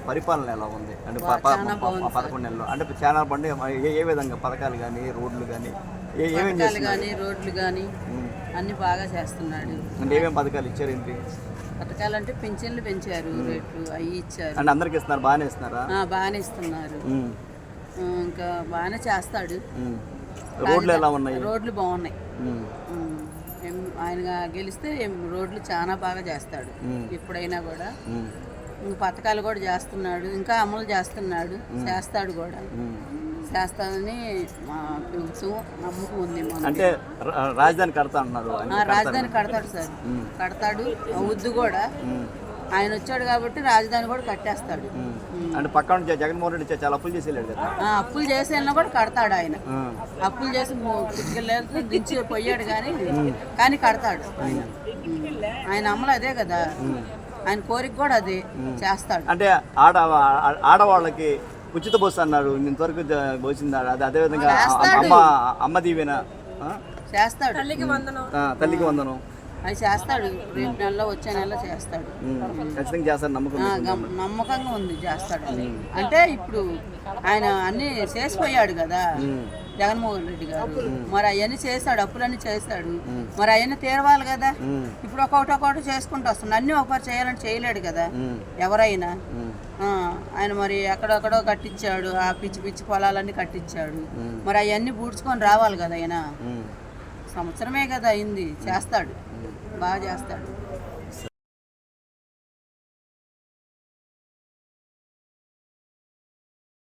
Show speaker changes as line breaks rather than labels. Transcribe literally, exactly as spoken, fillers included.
పరిపాలన ఎలా ఉంది అంటే ప- ప- ప- పదకొండు నెలలు అంటే చాలా పండి ఏ ఏ విధంగా పథకాలు కానీ రోడ్లు కానీ ఏ ఏమేమి
పథకాలు
చేస్తున్నారు
కానీ రోడ్లు కానీ అన్ని బాగా చేస్తున్నాడు.
అంటే ఏమేమి పథకాలు ఇచ్చారు ఏంటి
పథకాలు అంటే పింఛన్లు పెంచారు, రేట్లు అవి ఇచ్చారు.
అంటే అందరికి ఇస్తున్నారు బాగానే ఇస్తున్నారా
ఆ, బాగానే ఇస్తున్నారు.
ఉమ్.
ఆ, ఇంకా బాగానే చేస్తాడు.
ఉమ్. రోడ్లు ఎలా ఉన్నాయి
రోడ్లు బాగున్నాయి.
ఉమ్.
ఉమ్, ఏం- ఆయన గెలిస్తే ఏం రోడ్లు చాలా బాగా చేస్తాడు.
ఉమ్.
ఎప్పుడైనా కూడా
ఉమ్.
ఇంక పథకాలు కూడా చేస్తున్నాడు, ఇంకా అమలు చేస్తున్నాడు, చేస్తాడు కూడా.
ఉమ్.
చేస్తాడని మా ప్రభుత్వం నమ్మకం ఉంది మాకు.
అంటే రా- రాజధాని కడతా అంటున్నారు
ఆ,
ఆయన
రాజధాని కడతాడు సార్, కడతాడు. అవుద్దు కూడా. ఆయన వచ్చాడు కాబట్టి రాజధాని కూడా కట్టేస్తాడు.
అంటే పక్కన నుంచి జగన్మోహన్ రెడ్డి చాలా అప్పులు చేసి వెళ్ళాడు కదా
ఆ, అప్పులు చేసేనా కూడా కడతాడు ఆయన.
ఆ.
అప్పులు చేసి పుట్టుకెళ్ళి దించి పోయాడు కానీ కానీ కడతాడు ఆయన. ఆయన అమలు అదే కదా, ఆయన కోరిక కూడా అదే చేస్తాడు.
అంటే ఆడ ఆ- ఆడవాళ్ళకి ఉచిత బస్సు అన్నారు ఇంతవరకు జ- వచ్చింది అది అదేవిధంగా అమ్మ అమ్మ దీవెన ఆ?
చేస్తాడు.
ఆ, తల్లికి వందనం
అది చేస్తాడు. రేపు నెలలో వచ్చే నెలలో చేస్తాడు.
ఉమ్. ఖచ్చితంగా చేస్తారు నమ్మకం
ఆ,
ఉంది.
గమ్- నమ్మకంగా ఉంది చేస్తాడు. అంటే ఇప్పుడు ఆయన అన్ని చేసిపోయాడు కదా జగన్మోహన్ రెడ్డి గారు. మరి అవన్నీ చేశాడు, అప్పులన్నీ చేశాడు. మరి అవన్నీ తీరవాలి కదా.
ఉమ్.
ఇప్పుడు ఒక్కొక్కటి ఒక్కొక్కటి చేసుకుంటూ వస్తున్నాడు. అన్నీ ఒకటి చేయాలని చేయలేడు కదా
ఉమ్.
ఎవరైనా.
ఉమ్.
ఆ, ఆయన మరి ఎక్కడెక్కడో కట్టించాడు, ఆ పిచ్చి పిచ్చి పొలాలన్నీ కట్టించాడు. మరి అవన్నీ పూడ్చుకొని రావాలి కదా ఆయన.
ఉమ్.
సంవత్సరమే కదా అయింది, చేస్తాడు, బాగా చేస్తాడు.